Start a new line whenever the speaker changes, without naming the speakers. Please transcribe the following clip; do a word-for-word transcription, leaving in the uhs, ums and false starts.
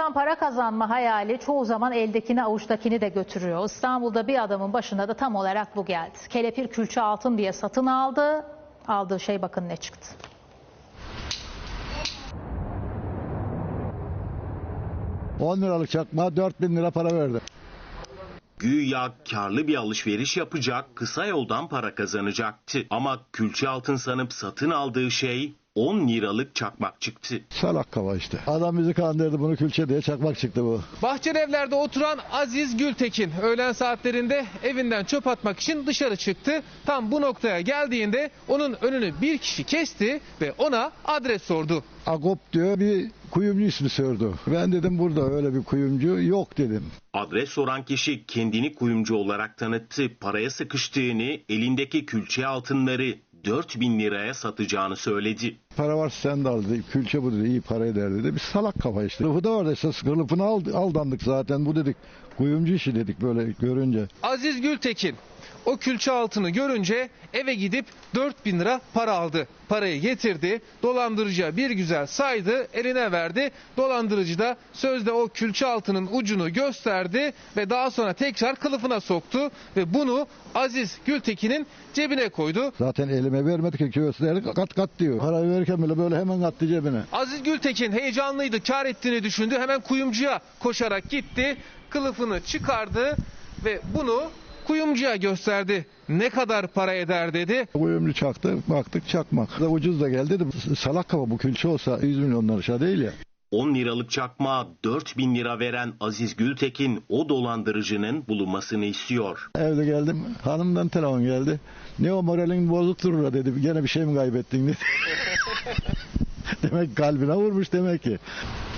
yoldan para kazanma hayali çoğu zaman eldekini avuçtakini de götürüyor. İstanbul'da bir adamın başına da tam olarak bu geldi. Kelepir külçe altın diye satın aldı. Aldığı şey bakın ne çıktı.
on liralık çakmağa dört bin lira para verdi.
Güya karlı bir alışveriş yapacak, kısa yoldan para kazanacaktı. Ama külçe altın sanıp satın aldığı şey on liralık çakmak çıktı.
Salak kafa işte. Adam bizi kandırdı, bunu külçe diye çakmak çıktı bu.
Bahçelievler'de oturan Aziz Gültekin öğlen saatlerinde evinden çöp atmak için dışarı çıktı. Tam bu noktaya geldiğinde onun önünü bir kişi kesti ve ona adres sordu.
Agop diyor, bir kuyumcu ismi sordu. Ben dedim burada öyle bir kuyumcu yok dedim.
Adres soran kişi kendini kuyumcu olarak tanıttı. Paraya sıkıştığını, elindeki külçe altınları dört bin liraya satacağını söyledi.
Para varsa sen de al dedi. Külçe bu dedi, iyi para eder dedi. Bir salak kafa işte. Kılıfı da vardı esas. Kılıfını aldandık zaten. Bu dedik kuyumcu işi dedik böyle görünce.
Aziz Gültekin o külçe altını görünce eve gidip dört bin lira para aldı. Parayı getirdi, dolandırıcıya bir güzel saydı, eline verdi. Dolandırıcı da sözde o külçe altının ucunu gösterdi ve daha sonra tekrar kılıfına soktu ve bunu Aziz Gültekin'in cebine koydu.
Zaten elime vermedi ki göğüsleri kat kat diyor. Parayı verirken bile böyle hemen attı cebine.
Aziz Gültekin heyecanlıydı, kar ettiğini düşündü. Hemen kuyumcuya koşarak gitti, kılıfını çıkardı ve bunu kuyumcuya gösterdi. Ne kadar para eder dedi.
Kuyumcu çaktı, baktık çakmak. Da ucuz da geldi dedi. Salak kafa, bu külçe olsa yüz milyonlar aşağı değil ya.
on liralık çakmağa dört bin lira veren Aziz Gültekin o dolandırıcının bulunmasını istiyor.
Evde geldim, hanımdan telefon geldi. Ne o, moralin bozuk durur dedi. Gene bir şey mi kaybettin dedi. Demek kalbine vurmuş demek ki.